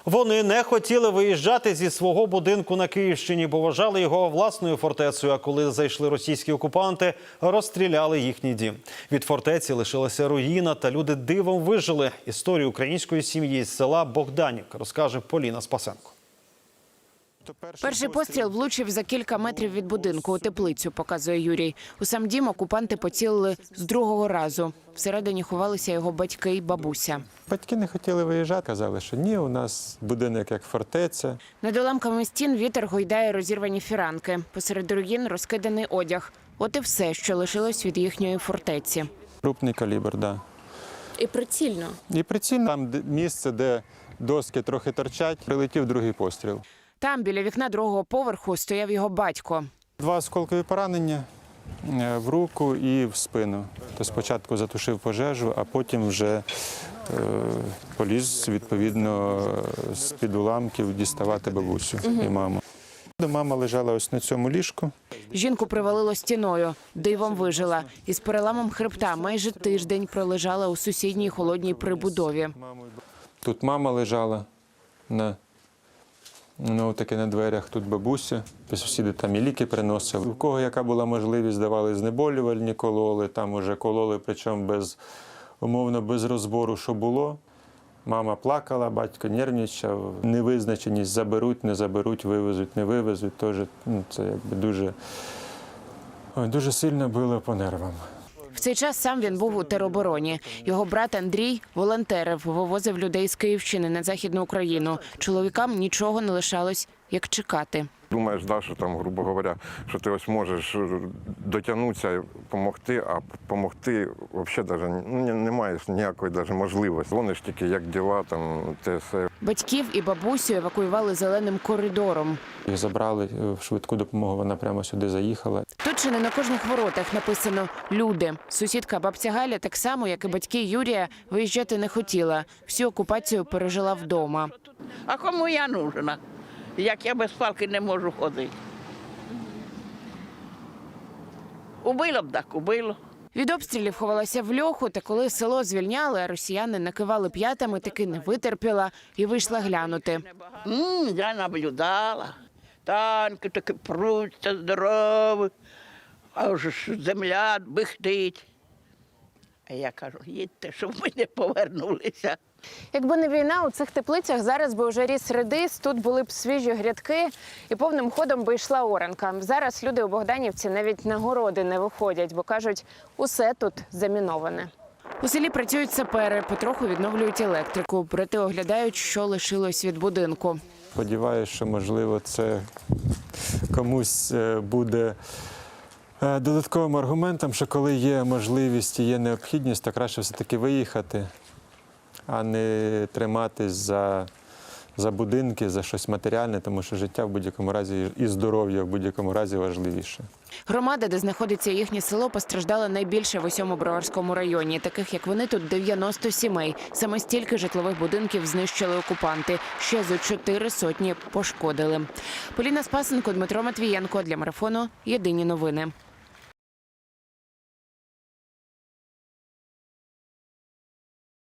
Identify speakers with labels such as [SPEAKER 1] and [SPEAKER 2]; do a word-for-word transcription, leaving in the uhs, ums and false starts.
[SPEAKER 1] Вони не хотіли виїжджати зі свого будинку на Київщині, бо вважали його власною фортецею, а коли зайшли російські окупанти, розстріляли їхній дім. Від фортеці лишилася руїна, та люди дивом вижили. Історію української сім'ї з села Богданівка розкаже Поліна Спасенко.
[SPEAKER 2] Перший постріл влучив за кілька метрів від будинку у теплицю, показує Юрій. У сам дім окупанти поцілили з другого разу. Всередині ховалися його батьки і бабуся.
[SPEAKER 3] Батьки не хотіли виїжджати, казали, що ні, у нас будинок як фортеця.
[SPEAKER 2] Над уламками стін вітер гойдає розірвані фіранки. Посеред руїн розкиданий одяг. От і все, що лишилось від їхньої фортеці.
[SPEAKER 3] Крупний калібр, так. Да.
[SPEAKER 2] І прицільно.
[SPEAKER 3] І прицільно. Там місце, де доски трохи торчать, прилетів другий постріл.
[SPEAKER 2] Там, біля вікна другого поверху, стояв його батько.
[SPEAKER 3] Два осколкові поранення в руку і в спину. То спочатку затушив пожежу, а потім вже е, поліз, відповідно, з-під уламків діставати бабусю угу. і маму. Мама лежала ось на цьому ліжку.
[SPEAKER 2] Жінку привалило стіною, дивом вижила. Із переламом хребта майже тиждень пролежала у сусідній холодній прибудові.
[SPEAKER 3] Тут мама лежала на Ну, таке на дверях, тут бабуся, сусіди там і ліки приносили. У кого яка була можливість, давали знеболювальні, кололи, там уже кололи, причому без, умовно, без розбору, що було. Мама плакала, батько нервничав, невизначеність, заберуть, не заберуть, вивезуть, не вивезуть. Тож, ну, це якби дуже, дуже сильно било по нервам.
[SPEAKER 2] В цей час сам він був у теробороні. Його брат Андрій волонтерив, вивозив людей з Київщини на Західну Україну. Чоловікам нічого не лишалось, як чекати.
[SPEAKER 4] Думаєш, да, що там, грубо говоря, що ти ось можеш дотягнутися і допомогти, а допомогти взагалі навіть, ну, немає ніякої навіть можливості. Вони ж тільки як діла, там, те все.
[SPEAKER 2] Батьків і бабусю евакуювали зеленим коридором.
[SPEAKER 3] Їх забрали в швидку допомогу, вона прямо сюди заїхала.
[SPEAKER 2] Тут чи не на кожних воротах написано «Люди». Сусідка бабця Галя, так само, як і батьки Юрія, виїжджати не хотіла. Всю окупацію пережила вдома.
[SPEAKER 5] А кому я нужна? Як я без палки не можу ходити. Убило б так, убило.
[SPEAKER 2] Від обстрілів ховалася в льоху, та коли село звільняли, а росіяни накивали п'ятами, таки не витерпіла і вийшла глянути.
[SPEAKER 5] М, я наблюдала. Танки такі пруться здорові, а вже ж земля бихтить. А я кажу, їдьте, щоб ми не повернулися.
[SPEAKER 2] Якби не війна, у цих теплицях зараз би вже ріс редис, тут були б свіжі грядки і повним ходом би йшла оранка. Зараз люди у Богданівці навіть на городи не виходять, бо кажуть, усе тут заміноване. У селі працюють сапери, потроху відновлюють електрику, проте оглядають, що лишилось від будинку.
[SPEAKER 3] Сподіваюся, що, можливо, це комусь буде додатковим аргументом, що коли є можливість і є необхідність, то краще все-таки виїхати, а не триматись за, за будинки, за щось матеріальне, тому що життя в будь-якому разі і здоров'я в будь-якому разі важливіше.
[SPEAKER 2] Громада, де знаходиться їхнє село, постраждала найбільше в усьому Броварському районі. Таких, як вони, тут дев'яносто сімей. Саме стільки житлових будинків знищили окупанти. Ще зо чотири сотні пошкодили. Поліна Спасенко, Дмитро Матвієнко. Для марафону «Єдині новини».